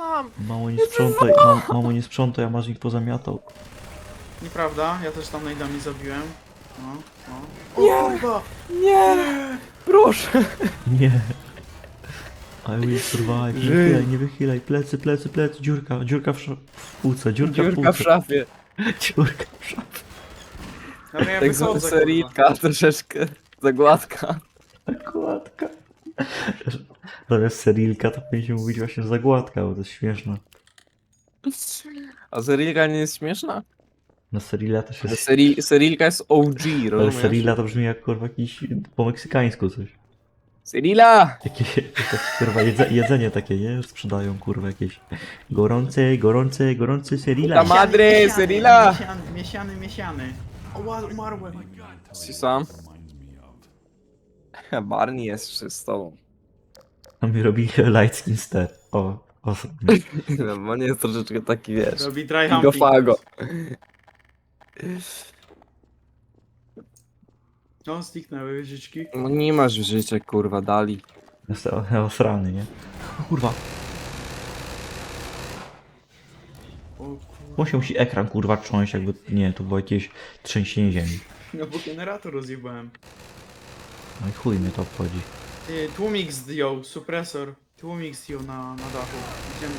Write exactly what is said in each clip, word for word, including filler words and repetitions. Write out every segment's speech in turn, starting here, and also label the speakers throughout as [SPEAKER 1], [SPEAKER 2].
[SPEAKER 1] tam!
[SPEAKER 2] Mało nie sprzątaj, mam, mało nie sprzątaj, a masz ich pozamiatał.
[SPEAKER 3] Nieprawda, ja też tam najdami zabiłem. No, no.
[SPEAKER 1] Nie!
[SPEAKER 3] O kurwa!
[SPEAKER 1] Nie! Proszę!
[SPEAKER 2] Nie. I will survive. Nie
[SPEAKER 1] Żyj.
[SPEAKER 2] wychylaj, nie wychylaj. Plecy, plecy, plecy. Dziurka, dziurka w, sz... w półce, dziurka, w
[SPEAKER 1] Dziurka w
[SPEAKER 2] półce.
[SPEAKER 1] szafie.
[SPEAKER 2] Dziurka w szafie.
[SPEAKER 3] Dobra, ja
[SPEAKER 1] Tak zwana
[SPEAKER 3] wychodzę, kurwa.
[SPEAKER 1] seritka, troszeczkę za gładka.
[SPEAKER 2] Zagładka. Zamiast serilka to powinniśmy mówić właśnie zagładka, bo to jest śmieszne.
[SPEAKER 1] A serilka nie jest śmieszna?
[SPEAKER 2] Na serila też
[SPEAKER 1] Ale
[SPEAKER 2] jest...
[SPEAKER 1] seri serilka jest O G,
[SPEAKER 2] Ale
[SPEAKER 1] rozumiesz?
[SPEAKER 2] serila to brzmi jak kurwa jakiś po meksykańsku coś.
[SPEAKER 1] Serila!
[SPEAKER 2] Jakieś, jakieś kurwa jedze, jedzenie takie, nie? Sprzedają kurwa jakieś gorące, gorące, gorące serila.
[SPEAKER 1] Tam- Madre,
[SPEAKER 3] Miesiany,
[SPEAKER 1] Cyrilla!
[SPEAKER 3] Miesiany, miesiany, miesiany. O, ła- umarłem.
[SPEAKER 1] Si sam? Barney jest z z tobą.
[SPEAKER 2] A mi robi light skin step. O, o.
[SPEAKER 1] No nie jest troszeczkę taki, wiesz,
[SPEAKER 3] Robi dry humping.
[SPEAKER 1] gigofago.
[SPEAKER 3] No, zniknęły wieżyczki.
[SPEAKER 1] No nie masz życia, kurwa, dali.
[SPEAKER 2] Jest osrany, nie? O kurwa.
[SPEAKER 3] O kurwa.
[SPEAKER 2] Musiał się ekran kurwa trząść, jakby, nie, to było jakieś trzęsienie ziemi.
[SPEAKER 3] No bo generator rozjebałem.
[SPEAKER 2] No i chuj mnie to obchodzi.
[SPEAKER 3] Ty, tłumik zdjął, supresor. Tłumik zdjął na, na dachu. Idziemy.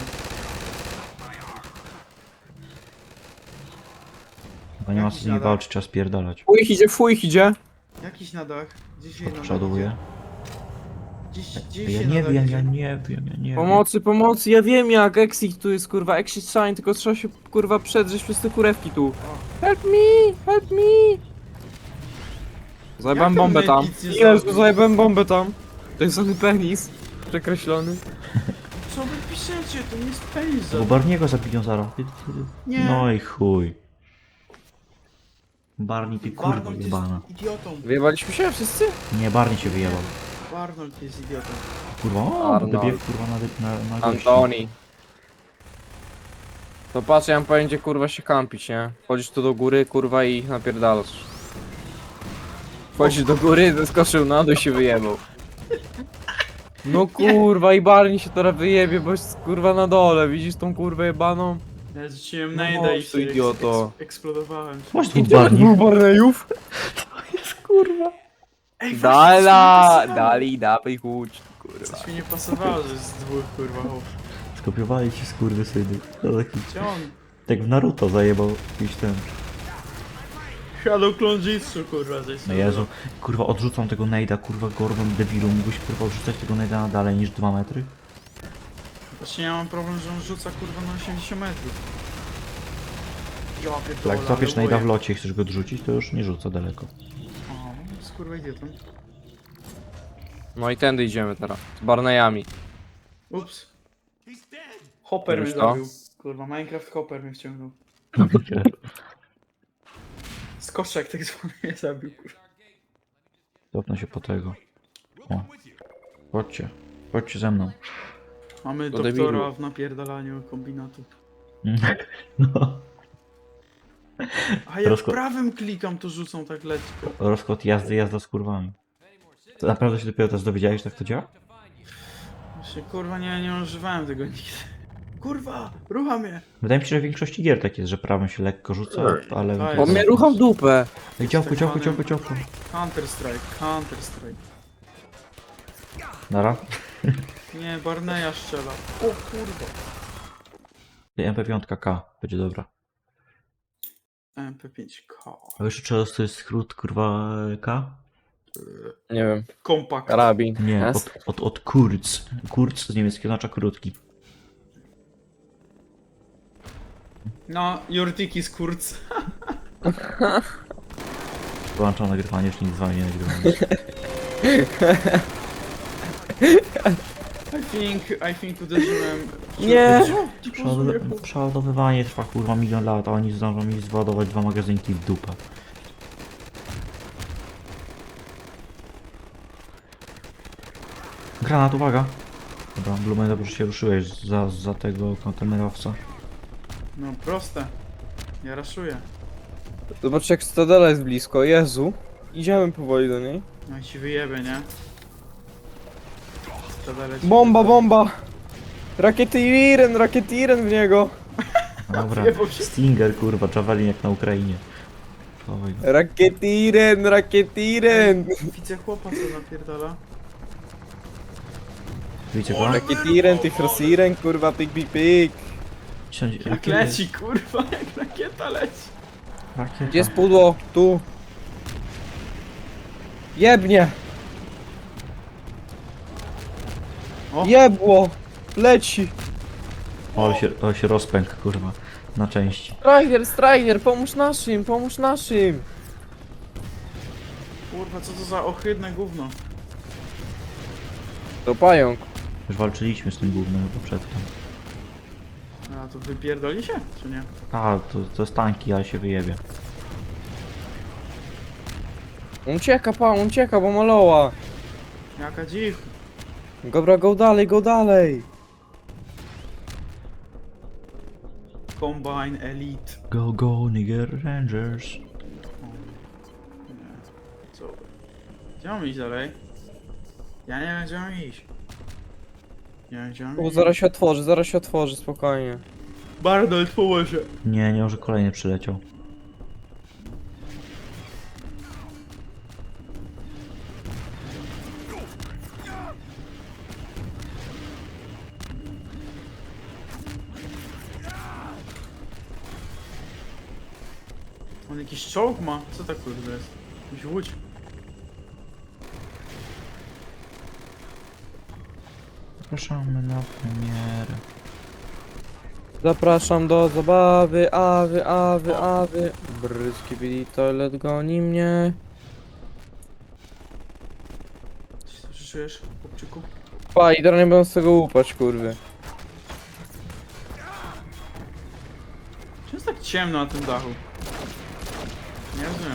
[SPEAKER 2] Chyba nie ma co z nimi
[SPEAKER 3] Jakiś
[SPEAKER 2] walczyć, trzeba spierdalać.
[SPEAKER 1] Fuj idzie, fuj idzie.
[SPEAKER 3] Jakiś na dach. Gdzie się na dach
[SPEAKER 2] Odprzoduję.
[SPEAKER 3] idzie? Gdzieś, gdzieś
[SPEAKER 2] Ja
[SPEAKER 3] się
[SPEAKER 2] nie
[SPEAKER 3] na dach
[SPEAKER 2] wiem,
[SPEAKER 3] idzie.
[SPEAKER 2] ja nie wiem, ja nie wiem.
[SPEAKER 1] Pomocy, pomocy, ja wiem jak, Exit tu jest, kurwa, Exit Shine, tylko trzeba się, kurwa, przedrzeć przez te kurewki tu. Help me, help me! Zajebałem
[SPEAKER 3] Jak on
[SPEAKER 1] bombę
[SPEAKER 3] my
[SPEAKER 1] tam.
[SPEAKER 3] nic nie
[SPEAKER 1] Jezu,
[SPEAKER 3] zrobił?
[SPEAKER 1] zajebałem bombę tam. To jest ten penis. Przekreślony.
[SPEAKER 3] Co wy piszecie? To nie jest penis.
[SPEAKER 2] Bo Barniego zabiją zaraz.
[SPEAKER 3] Nie.
[SPEAKER 2] No i chuj. Barney, ty kurwa
[SPEAKER 3] Barnold jest
[SPEAKER 2] jebana.
[SPEAKER 3] idiotą.
[SPEAKER 1] Wyjebaliśmy się wszyscy?
[SPEAKER 2] Nie, Barney się wyjebał.
[SPEAKER 3] Barnold jest idiotą.
[SPEAKER 2] Kurwa, o,
[SPEAKER 1] Arnold.
[SPEAKER 2] będę biegł kurwa na, na, na gości.
[SPEAKER 1] Antoni. To patrz, ja mam pojęcie, kurwa, się kampić, nie? Wchodzisz tu do góry, kurwa, i napierdalasz. Wchodzisz do góry, zeskoczył na dół i się wyjebał. No kurwa, i Barney się teraz wyjebie, bo jest kurwa na dole, widzisz tą kurwę jebaną?
[SPEAKER 3] Ja rzuciłem
[SPEAKER 1] No
[SPEAKER 3] najda i
[SPEAKER 1] chodź tu,
[SPEAKER 3] się eks,
[SPEAKER 1] idioto.
[SPEAKER 3] eks, eksplodowałem.
[SPEAKER 2] Masz dwóch Barney.
[SPEAKER 1] Barneyów?
[SPEAKER 2] To jest kurwa.
[SPEAKER 3] Ej,
[SPEAKER 1] Dala, dali, dawaj, chodź, kurwa.
[SPEAKER 3] Coś mi nie pasowało, że jest dwóch kurwa chłop.
[SPEAKER 2] Skopiowali ci skurwysyny. To taki...
[SPEAKER 3] Gdzie on?
[SPEAKER 2] Tak w Naruto zajebał jakiś ten.
[SPEAKER 3] Shadow Clone Jitsu kurwa, coś
[SPEAKER 2] No Jezu, kurwa odrzucam tego nejda, kurwa Gordon debilu. Mógłbyś kurwa odrzucać tego nejda na dalej niż dwa metry?
[SPEAKER 3] Właśnie ja mam problem, że on rzuca kurwa na osiemdziesiąt metrów. Ja pierdolę,
[SPEAKER 2] Jak
[SPEAKER 3] ale
[SPEAKER 2] złapiesz nejda w
[SPEAKER 3] boję.
[SPEAKER 2] locie i chcesz go odrzucić, to już nie rzuca daleko.
[SPEAKER 3] O, jest kurwa idiotą.
[SPEAKER 1] No i tędy idziemy teraz, z Barneyami.
[SPEAKER 3] Ups. Hopper mnie
[SPEAKER 1] Wiesz to?
[SPEAKER 3] zabił. Kurwa, Minecraft Hopper mnie wciągnął. Skoczek tak zwany mnie zabił, kurwa.
[SPEAKER 2] Cofnę się po tego. O. Chodźcie. Chodźcie ze mną.
[SPEAKER 3] Mamy
[SPEAKER 1] Do
[SPEAKER 3] doktora
[SPEAKER 1] debilu.
[SPEAKER 3] w napierdalaniu kombinatu.
[SPEAKER 2] No.
[SPEAKER 3] A jak
[SPEAKER 2] Rozko-
[SPEAKER 3] prawym klikam, to rzucą tak lekko.
[SPEAKER 2] Rozkład jazdy, jazda z kurwami. To naprawdę się dopiero teraz dowiedziałeś, jak tak to działa?
[SPEAKER 3] Właśnie, kurwa, nie, nie używałem tego nigdy. Kurwa, rucha mnie!
[SPEAKER 2] Wydaje mi się, że w większości gier tak jest, że prawym się lekko rzuca, ale...
[SPEAKER 3] To
[SPEAKER 1] Bo
[SPEAKER 3] jest-
[SPEAKER 1] mnie rucham dupę.
[SPEAKER 2] Ej, działku, działku, działku, działku.
[SPEAKER 3] Counter Strike, Counter Strike.
[SPEAKER 2] Nara.
[SPEAKER 3] Nie, Barneya strzela. O kurwa.
[SPEAKER 2] M P pięć K. Będzie dobra.
[SPEAKER 3] M P pięć K.
[SPEAKER 2] A wiesz, czy to jest skrót, kurwa, K?
[SPEAKER 1] Nie wiem,
[SPEAKER 3] Kompakt.
[SPEAKER 1] karabin.
[SPEAKER 2] Nie,
[SPEAKER 1] Jest?
[SPEAKER 2] od, od, od Kurz. Kurz z niemieckiego oznacza krótki.
[SPEAKER 3] No, Jurtiki z Kurz.
[SPEAKER 2] Wyłączam nagrywanie, już nic z wami nie nagrywam.
[SPEAKER 3] I think, I think uderzyłem...
[SPEAKER 1] Nie.
[SPEAKER 3] Co? Ty
[SPEAKER 2] Przeładowy-
[SPEAKER 3] pozwól-
[SPEAKER 2] Przeładowywanie trwa kurwa milion lat, a oni zdążą mi zładować dwa magazynki w dupę. Granat, uwaga! Dobra, Blumen, dobrze się ruszyłeś za, za tego kontenerowca.
[SPEAKER 3] No, proste. Ja raszuję.
[SPEAKER 1] Zobacz jak Stadela jest blisko, Jezu. Idziemy powoli do niej.
[SPEAKER 3] No i ci wyjebie, nie? Stadale ci
[SPEAKER 1] Bomba,
[SPEAKER 3] wyjebie.
[SPEAKER 1] bomba! Rakietiren, rakietiren w niego.
[SPEAKER 2] Dobra,
[SPEAKER 3] Wyjebał się.
[SPEAKER 2] Stinger, kurwa, Javelin jak na Ukrainie. Oj,
[SPEAKER 1] Rakietiren, rakietiren.
[SPEAKER 3] Widzę chłopa, co napierdala.
[SPEAKER 2] wiecie go?
[SPEAKER 1] Rakietiren, ty frosiren, kurwa, pik, pik, pik.
[SPEAKER 2] Siądź,
[SPEAKER 3] Jak
[SPEAKER 2] rakiety,
[SPEAKER 3] leci, kurwa, jak rakieta leci.
[SPEAKER 2] rakieta.
[SPEAKER 1] Gdzie jest pudło? Tu. Jebnie.
[SPEAKER 3] O.
[SPEAKER 1] Jebło. Leci.
[SPEAKER 2] O, ale się, o, się rozpęk, kurwa, na części.
[SPEAKER 1] Strider, Strider, pomóż naszym, pomóż naszym.
[SPEAKER 3] Kurwa, co to za ohydne gówno.
[SPEAKER 1] To pająk.
[SPEAKER 2] Już walczyliśmy z tym głównym chyba przedtem.
[SPEAKER 3] A to wypierdoli się, czy nie?
[SPEAKER 2] A, to, to jest tanki, ale się wyjebie.
[SPEAKER 1] On ucieka, pa, on ucieka, bo maloła.
[SPEAKER 3] Jaka dziw.
[SPEAKER 1] Dobra, go dalej, go dalej.
[SPEAKER 3] Combine Elite.
[SPEAKER 2] Go, go, nigger rangers.
[SPEAKER 3] Nie. Co? Gdzie mam iść dalej? Ja nie wiem, gdzie mam iść. Nie wiem, gdzie mam
[SPEAKER 1] O,
[SPEAKER 3] iść.
[SPEAKER 1] zaraz się otworzy, zaraz się otworzy, spokojnie.
[SPEAKER 3] Bardolt, pomoże.
[SPEAKER 2] Nie, nie, może kolejny przyleciał.
[SPEAKER 3] On jakiś czołg ma? Co tak kurde jest? Jakiś łódź.
[SPEAKER 2] Zapraszamy na premierę.
[SPEAKER 1] Zapraszam do zabawy, awy, awy, awy. Bryski byli, toilet goni mnie.
[SPEAKER 3] Co ty czujesz, chłopczyku?
[SPEAKER 1] Pa, i teraz nie będą z tego łupać, kurwy.
[SPEAKER 3] Czemu jest tak ciemno na tym dachu? Nie rozumiem.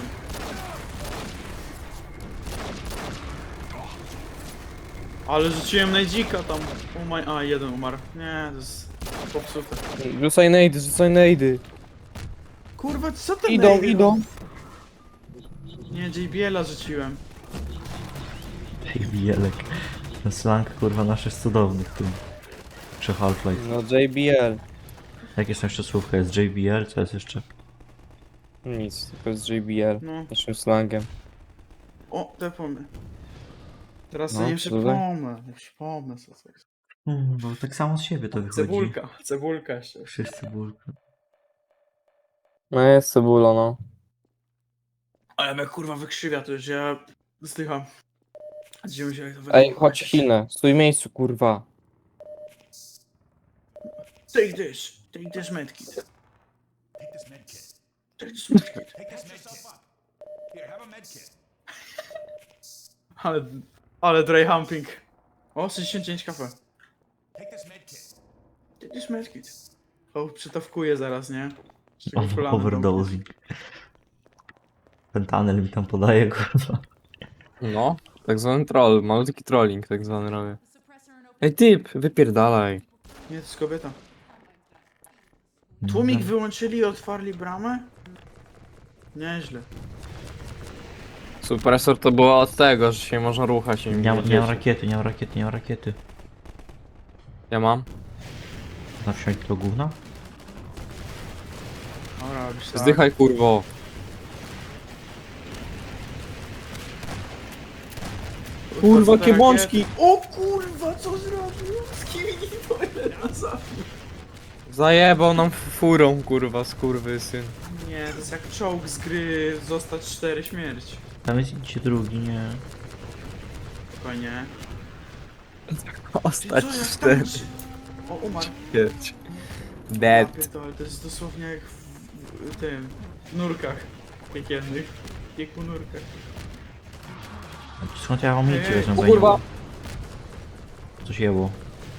[SPEAKER 3] Ale rzuciłem najdzika tam. Oh my... A, jeden umarł. Nie, to jest popsute.
[SPEAKER 1] Rzucaj nejdy, rzucaj nejdy.
[SPEAKER 3] Kurwa, co ten
[SPEAKER 1] Idą,
[SPEAKER 3] najdy-
[SPEAKER 1] idą.
[SPEAKER 3] Nie, J B L-a rzuciłem.
[SPEAKER 2] Ej, wielek. Ten slang, kurwa, nasz jest cudowny w tym. Czy Half-Life.
[SPEAKER 1] No J B L.
[SPEAKER 2] Jakie są jeszcze słówka? Jest J B L, co jest jeszcze?
[SPEAKER 1] Nic, tylko jest J B L.
[SPEAKER 3] No.
[SPEAKER 1] Naszym slangiem.
[SPEAKER 3] O, te pomy. Teraz
[SPEAKER 1] No,
[SPEAKER 3] sobie nie
[SPEAKER 1] co tutaj?
[SPEAKER 3] przypomnę. Nie przypomnę co to jest.
[SPEAKER 2] Mm, bo tak samo z siebie to wychodzi.
[SPEAKER 3] Cebulka. Cebulka jeszcze.
[SPEAKER 2] Wszyscy cebulka.
[SPEAKER 1] No jest cebulo, no.
[SPEAKER 3] Ale mnie kurwa wykrzywia, to już ja zdycham. Zdziwiam się jak to
[SPEAKER 1] Ej,
[SPEAKER 3] wygląda.
[SPEAKER 1] chodź Chinę, stój w miejscu, kurwa.
[SPEAKER 3] Take this. Take this medkit. Take this medkit. Take this medkit. Ale, ale dry humping. O, sześćdziesiąt dziewięć kafe. Take this medkit. O, przytawkuję zaraz, nie? Z czego kolana
[SPEAKER 2] Overdosing. Pentanel mi tam podaje, kurwa.
[SPEAKER 1] No, tak zwany troll, malutki trolling tak zwany robię. Ej typ, wypierdalaj.
[SPEAKER 3] domknę. Nie, to jest kobieta. Tłumik wyłączyli i otwarli bramę? Nieźle.
[SPEAKER 1] Supresor to było od tego, że się można ruchać i
[SPEAKER 2] Nie, nie, nie mam rakiety, nie mam rakiety, nie mam rakiety.
[SPEAKER 1] Ja mam.
[SPEAKER 2] Na wsiąść do gówna?
[SPEAKER 3] Dobra, robisz tak.
[SPEAKER 1] Zdychaj kurwo. Kurwa,
[SPEAKER 3] Co te
[SPEAKER 1] kiebączki.
[SPEAKER 3] rakiety? O kurwa, co zrobił? Z kim nie zabił?
[SPEAKER 1] Zajebał nam furą kurwa, skurwysyn.
[SPEAKER 3] Nie, to jest jak czołg z gry Zostać cztery śmierć.
[SPEAKER 2] Tam jest idzie drugi, nie.
[SPEAKER 3] Spokojnie.
[SPEAKER 1] Ostać
[SPEAKER 3] Co, jak
[SPEAKER 1] cztery.
[SPEAKER 3] tańczy? O, umarł.
[SPEAKER 1] Pięć.
[SPEAKER 3] Ja
[SPEAKER 1] Dead.
[SPEAKER 3] pierdolę, to jest dosłownie jak w, w, w tym, w nurkach piekielnych. W pieku nurkach.
[SPEAKER 2] Skąd ja mam
[SPEAKER 3] Ej,
[SPEAKER 2] liczyć?
[SPEAKER 3] ej,
[SPEAKER 1] O kurwa.
[SPEAKER 2] Coś jebło.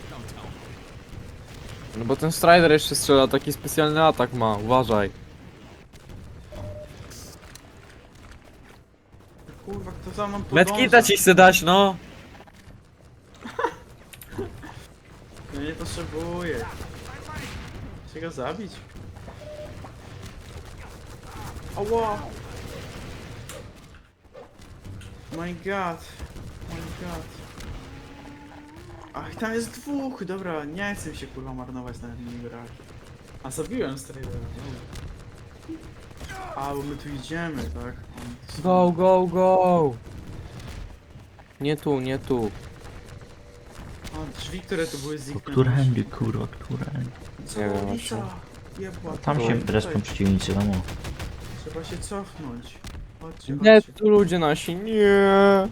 [SPEAKER 1] No bo ten Strider jeszcze strzela, taki specjalny atak ma, uważaj.
[SPEAKER 3] Kurwa, kto za mną podąża?
[SPEAKER 1] Medkita ci chce dać, no.
[SPEAKER 3] Ja nie potrzebuję. Chcę go zabić. Ała! My god. My god. Ach, tam jest dwóch, dobra, nie chcę mi się kurwa marnować na nim grach. A zabiłem Stradera, dobra. A, bo my tu idziemy, tak? Oni tu są.
[SPEAKER 1] Go, go, go! Nie tu, nie tu.
[SPEAKER 3] A, drzwi, które tu były
[SPEAKER 2] To
[SPEAKER 3] zniknęły.
[SPEAKER 2] którędy, kurwa, którędy?
[SPEAKER 3] Co,
[SPEAKER 1] Nie wiem,
[SPEAKER 3] Lisa?
[SPEAKER 1] właśnie.
[SPEAKER 3] Jebła,
[SPEAKER 2] Tam
[SPEAKER 3] tutaj,
[SPEAKER 2] się
[SPEAKER 3] tutaj.
[SPEAKER 2] respią przeciwnicy, no.
[SPEAKER 3] Trzeba się cofnąć. Chodźcie,
[SPEAKER 1] Nie,
[SPEAKER 3] chodźcie.
[SPEAKER 1] tu ludzie nasi, nie.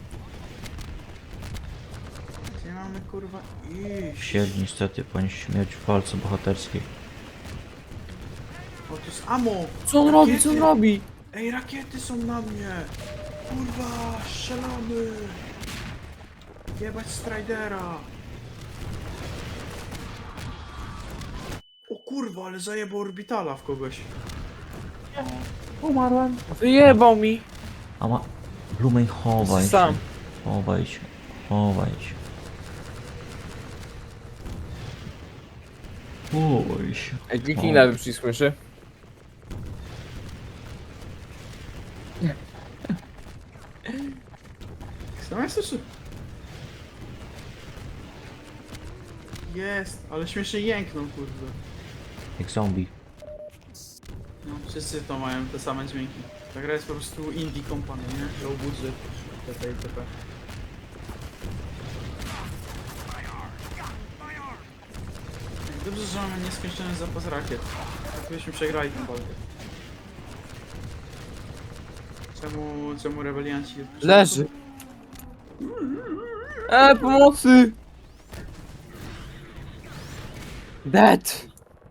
[SPEAKER 3] Gdzie mamy kurwa iść?
[SPEAKER 2] Siedź niestety, powinien śmierć w walce bohaterskiej.
[SPEAKER 3] O, tu jest ammo!
[SPEAKER 1] Co on robi, co on
[SPEAKER 3] Rakiety!
[SPEAKER 1] robi?
[SPEAKER 3] Ej, rakiety są na mnie! Kurwa, strzelamy! Jebać Stridera! O kurwa, ale zajebał orbitala w kogoś.
[SPEAKER 1] Umarłem. Wyjebał mi.
[SPEAKER 2] A ma... Blumen, chowaj się.
[SPEAKER 1] Sam.
[SPEAKER 2] Chowaj się. Chowaj się. Chowaj się.
[SPEAKER 1] Ej, kliknij lewy przycisk myszy.
[SPEAKER 3] Sam jest jeszcze? Jest, ale śmiesznie jęknął, kurde.
[SPEAKER 2] Jak zombie.
[SPEAKER 3] No, wszyscy to mają te same dźwięki. Ta gra jest po prostu indie company, nie? Low budget, itp. itp. Dobrze, że mamy nieskończony zapas rakiet. Tak byśmy przegrali tę walkę. Czemu, czemu rebelianci...
[SPEAKER 1] Leży. E, pomocy! Dead!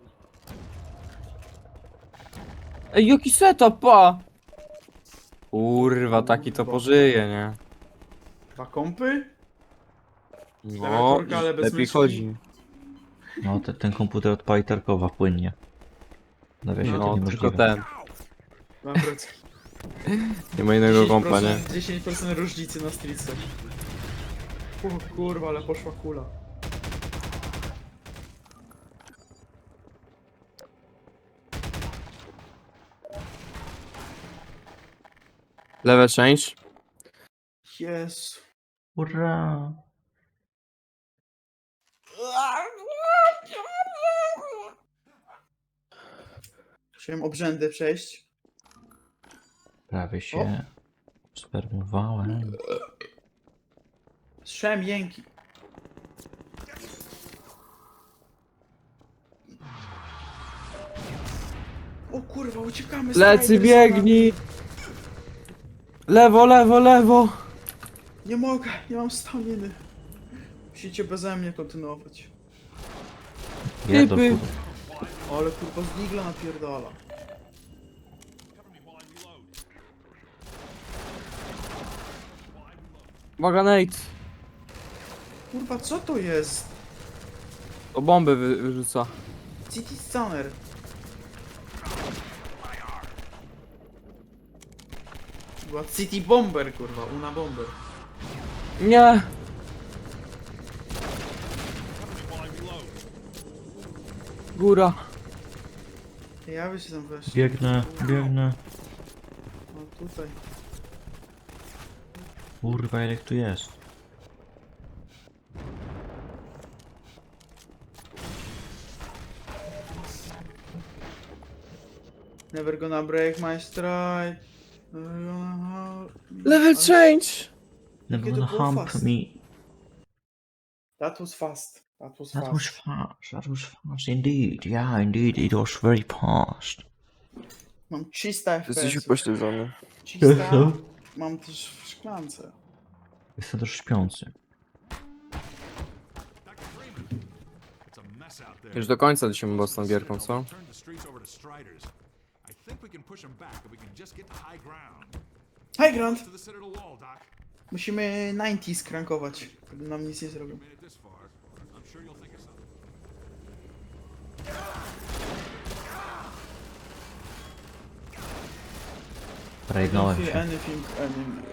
[SPEAKER 1] Ej, jaki setup, pa! Kurwa, taki to pożyje, nie?
[SPEAKER 3] Dwa kompy?
[SPEAKER 1] No,
[SPEAKER 3] Klawiaturka, ale bez
[SPEAKER 1] lepiej
[SPEAKER 3] myszki.
[SPEAKER 1] chodzi.
[SPEAKER 2] No, te, ten komputer odpali Tarkowa płynnie. Nawiasie to
[SPEAKER 1] No, tylko
[SPEAKER 2] niemożliwe.
[SPEAKER 1] ten.
[SPEAKER 3] Dobra,
[SPEAKER 1] Nie ma innego kompa, nie?
[SPEAKER 3] dziesięć procent różnicy na streetsach. O kurwa, ale poszła kula.
[SPEAKER 1] Level change.
[SPEAKER 3] Jezu.
[SPEAKER 2] Ura!
[SPEAKER 3] Chciałem obrzędy przejść.
[SPEAKER 2] Prawie się spermowałem.
[SPEAKER 3] Słyszałem jęki. O kurwa, uciekamy z
[SPEAKER 1] Lecy,
[SPEAKER 3] Strider
[SPEAKER 1] biegnij! Lewo, lewo, lewo!
[SPEAKER 3] Sana. Nie mogę, nie mam staminy. Musicie beze mnie kontynuować.
[SPEAKER 2] Jedno,
[SPEAKER 1] Typy.
[SPEAKER 2] kurwa.
[SPEAKER 3] Ale kurwa z digla napierdala.
[SPEAKER 1] Uwaga, Nate!
[SPEAKER 3] Kurwa, co to jest?
[SPEAKER 1] O bombę wy wyrzuca.
[SPEAKER 3] City Stunner. Była City Bomber, kurwa, Una Bomber.
[SPEAKER 1] Nie! Góra.
[SPEAKER 3] Ja by się tam weszli.
[SPEAKER 2] Biegnę, biegnę.
[SPEAKER 3] O, tutaj.
[SPEAKER 2] Kurwa, ile ich tu jest?
[SPEAKER 3] Never gonna break my stride. Never gonna hold me.
[SPEAKER 1] Level
[SPEAKER 3] Ale-
[SPEAKER 1] change!
[SPEAKER 2] Never
[SPEAKER 3] Jakie to
[SPEAKER 2] gonna
[SPEAKER 3] było
[SPEAKER 2] hump
[SPEAKER 3] fast.
[SPEAKER 2] me.
[SPEAKER 3] That was fast. That was
[SPEAKER 2] That
[SPEAKER 3] fast.
[SPEAKER 2] was fast, that was fast indeed. Yeah, indeed, it was very fast.
[SPEAKER 3] Mam trzysta F P S.
[SPEAKER 1] Jesteś upośledzony.
[SPEAKER 3] trzysta. Mam też w szklance.
[SPEAKER 2] Jestem też śpiący.
[SPEAKER 1] Już do końca lecimy mocną gierką, co?
[SPEAKER 3] High ground! Musimy dziewięćdziesiąt skrankować, wtedy nam nic nie zrobią.
[SPEAKER 2] Pragnąłem
[SPEAKER 3] Anything,
[SPEAKER 2] się.
[SPEAKER 3] anything, anything.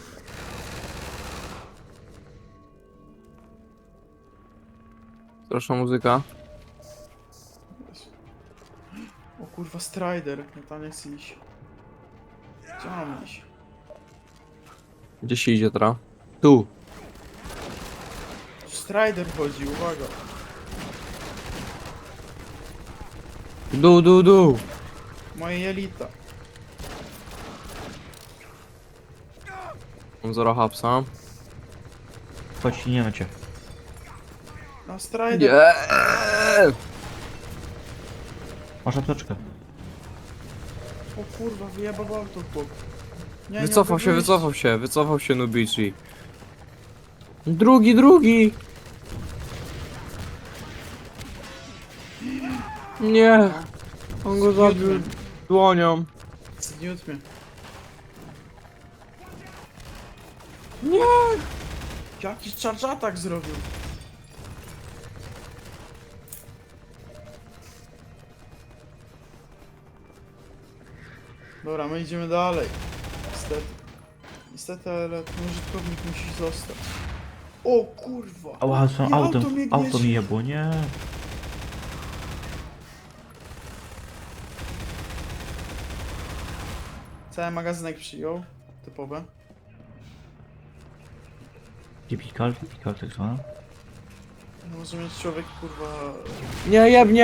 [SPEAKER 1] Proszę muzyka.
[SPEAKER 3] O kurwa, Strider. Ja tam nie chcę iść. Gdzie mam iść?
[SPEAKER 1] Gdzie się idzie teraz? Tu.
[SPEAKER 3] Strider chodzi, uwaga.
[SPEAKER 1] Du, du, du.
[SPEAKER 3] Moje jelita.
[SPEAKER 1] Mam zero hapsa.
[SPEAKER 2] Chodź, nie ma cię.
[SPEAKER 3] Na Strider.
[SPEAKER 1] Nie.
[SPEAKER 2] Masz apteczkę.
[SPEAKER 3] O kurwa, wyjebał auto chłop. Nie, nie
[SPEAKER 1] Wycofał
[SPEAKER 3] mogę
[SPEAKER 1] się,
[SPEAKER 3] wyjść.
[SPEAKER 1] wycofał się, wycofał się Nubici. Drugi, drugi! Nie! On go zabił dłonią.
[SPEAKER 3] Zgniótł mnie.
[SPEAKER 1] Nie!
[SPEAKER 3] Jakiś charge attack zrobił. Dobra, my idziemy dalej. Niestety. Niestety, ale ten użytkownik musi zostać. O kurwa!
[SPEAKER 2] Ała, są
[SPEAKER 3] I
[SPEAKER 2] auto,
[SPEAKER 3] auto mnie
[SPEAKER 2] auto
[SPEAKER 3] gnieździ.
[SPEAKER 2] mi jebło, nie.
[SPEAKER 3] Cały magazynek przyjął. Typowe.
[SPEAKER 2] Typical, typical, tak zwane.
[SPEAKER 3] Może mieć człowiek kurwa...
[SPEAKER 1] Nie, jebnie!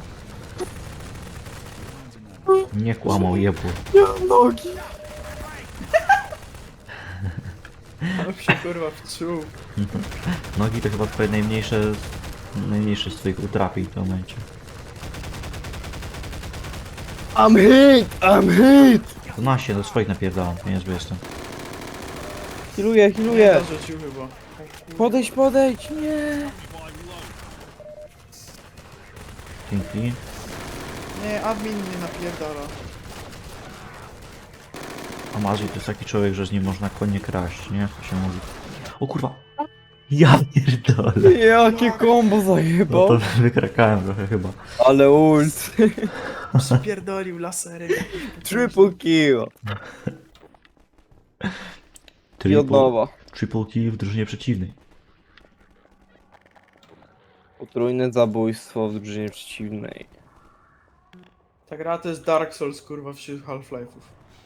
[SPEAKER 3] O,
[SPEAKER 2] Nie kłamał, jebło.
[SPEAKER 1] Nie mam nogi!
[SPEAKER 3] ale się kurwa wczuł.
[SPEAKER 2] Nogi to chyba twoje najmniejsze, najmniejsze z twoich utrapień w tym momencie.
[SPEAKER 1] I'm hit! I'm hit!
[SPEAKER 2] To na się, do swoich napierdalam, niezły jestem.
[SPEAKER 1] Healuję,
[SPEAKER 3] Nie
[SPEAKER 1] healuję!
[SPEAKER 3] zarzucił chyba. O kurwa.
[SPEAKER 1] Podejdź, podejdź! Nie!
[SPEAKER 2] Dzięki.
[SPEAKER 3] Nie, admin mnie napierdala.
[SPEAKER 2] Amazji to jest taki człowiek, że z nim można konie kraść, nie? To się mówi. O kurwa! Ja pierdolę!
[SPEAKER 1] Jakie kombo
[SPEAKER 2] No
[SPEAKER 1] zajebał!
[SPEAKER 2] to wykrakałem trochę chyba.
[SPEAKER 1] Ale ult!
[SPEAKER 3] Przypierdolił laserem.
[SPEAKER 1] Triple kill! I
[SPEAKER 2] Triple,
[SPEAKER 1] od nowa.
[SPEAKER 2] triple kill w drużynie przeciwnej.
[SPEAKER 1] Potrójne zabójstwo w drużynie przeciwnej.
[SPEAKER 3] Ta gra to jest Dark Souls kurwa wśród Half-Life'ów.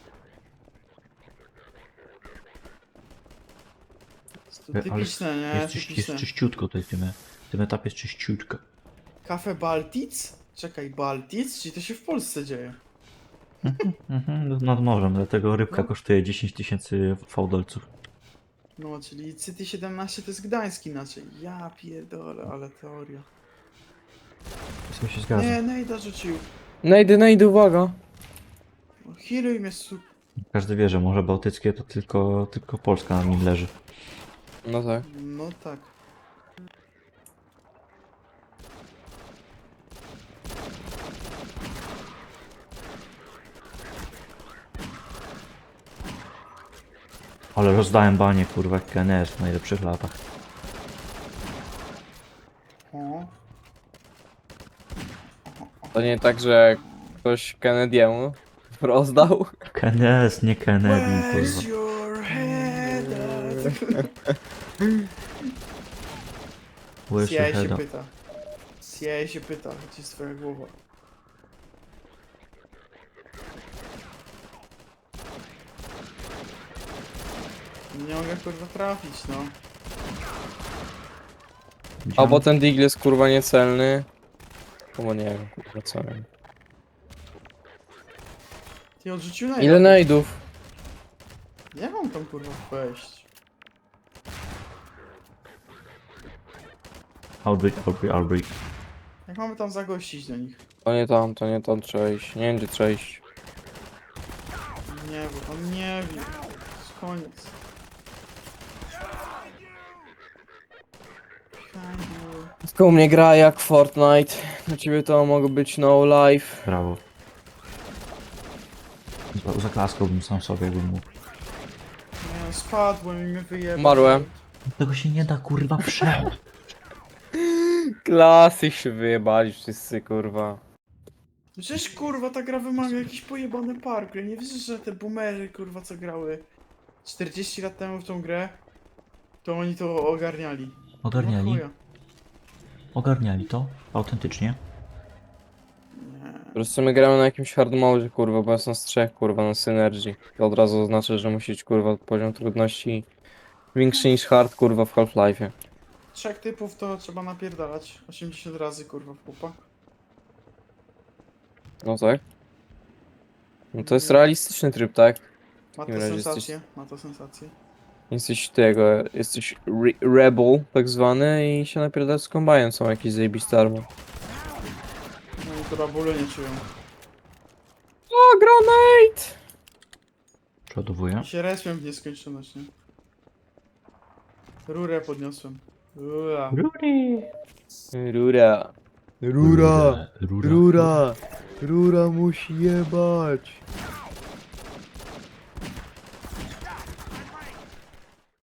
[SPEAKER 3] Jest to
[SPEAKER 2] Ale
[SPEAKER 3] typiczne, nie?
[SPEAKER 2] Jest, czyś,
[SPEAKER 3] Typiczne.
[SPEAKER 2] jest czyściutko tutaj w tym, w tym etapie jest czyściutko.
[SPEAKER 3] Kafe Baltic? Czekaj, Baltic? Czyli to się w Polsce dzieje.
[SPEAKER 2] Mhm, nad morzem, dlatego rybka
[SPEAKER 3] No.
[SPEAKER 2] kosztuje dziesięć tysięcy fałdolców.
[SPEAKER 3] No, czyli City siedemnaście to jest Gdańsk inaczej. Ja pierdolę, ale teoria.
[SPEAKER 2] Co się zgadza.
[SPEAKER 3] Nie, Nejda rzucił.
[SPEAKER 1] Najdę, najdę, uwaga!
[SPEAKER 3] No, healuj mnie su...
[SPEAKER 2] Każdy wie, że Morze Bałtyckie to tylko, tylko Polska na nim leży.
[SPEAKER 1] No tak.
[SPEAKER 3] No tak.
[SPEAKER 2] Ale rozdałem banie, kurwa, jak K N S w najlepszych latach.
[SPEAKER 3] O.
[SPEAKER 1] To nie tak, że ktoś Kennedy'emu rozdał?
[SPEAKER 2] K N S, nie Kennedy,
[SPEAKER 3] Where's
[SPEAKER 2] kurwa.
[SPEAKER 3] your head at?
[SPEAKER 2] Where's
[SPEAKER 3] C I A
[SPEAKER 2] your
[SPEAKER 3] się
[SPEAKER 2] head up?
[SPEAKER 3] pyta. C I A się pyta, gdzie jest twoja głowa? Nie mogę kurwa trafić, no.
[SPEAKER 1] Albo ten Deagle jest kurwa niecelny. Albo nie wiem, kurwa co wiem.
[SPEAKER 3] Ty odrzucił na
[SPEAKER 1] Ile najdów?
[SPEAKER 3] Jak mam tam kurwa wejść?
[SPEAKER 2] Outbreak, outbreak, outbreak.
[SPEAKER 3] Jak mamy tam zagościć do nich?
[SPEAKER 1] To nie tam, to nie tam trzeba iść. Nie wiem gdzie trzeba iść.
[SPEAKER 3] Nie, bo tam nie wiem. To jest koniec. Pięknie.
[SPEAKER 1] Tylko u mnie gra jak Fortnite. Na ciebie to mogło być no life.
[SPEAKER 2] Brawo. Za- Zaklaskałbym sam sobie, jakbym mógł.
[SPEAKER 3] Nie, spadłem i mnie wyjebał.
[SPEAKER 1] Umarłem.
[SPEAKER 2] Tego się nie da, kurwa, przejść.
[SPEAKER 1] Klasy się wyjebali wszyscy kurwa.
[SPEAKER 3] Przecież kurwa ta gra wymaga jakiś pojebany parkour. Nie wiesz, że te boomery kurwa co grały czterdzieści lat temu w tą grę, to oni to ogarniali.
[SPEAKER 2] Ogarniali?
[SPEAKER 3] No chuja.
[SPEAKER 2] Ogarniali to? Autentycznie?
[SPEAKER 3] Nie.
[SPEAKER 1] Po prostu my gramy na jakimś hard mode kurwa, bo jest nas trzech kurwa na synergii. To od razu oznacza, że musi być kurwa poziom trudności większy niż hard kurwa w Half-Life'ie.
[SPEAKER 3] trzech typów to trzeba napierdalać osiemdziesiąt razy kurwa w pupa.
[SPEAKER 1] No tak. No to jest realistyczny tryb, tak?
[SPEAKER 3] Ma to
[SPEAKER 1] takim razie
[SPEAKER 3] sensację, ma to sensację.
[SPEAKER 1] Jesteś tego, jesteś re rebel tak zwany i się napierdasz z kombajnem, są jakieś zajebiste army.
[SPEAKER 3] No i chyba bólu nie czują.
[SPEAKER 1] O, granate!
[SPEAKER 2] Przeładowuję.
[SPEAKER 3] I się respią w nieskończoność, nie? Rurę podniosłem. Ua.
[SPEAKER 2] Rury!
[SPEAKER 1] Rura. Rura!
[SPEAKER 2] Rura!
[SPEAKER 1] Rura! Rura musi jebać!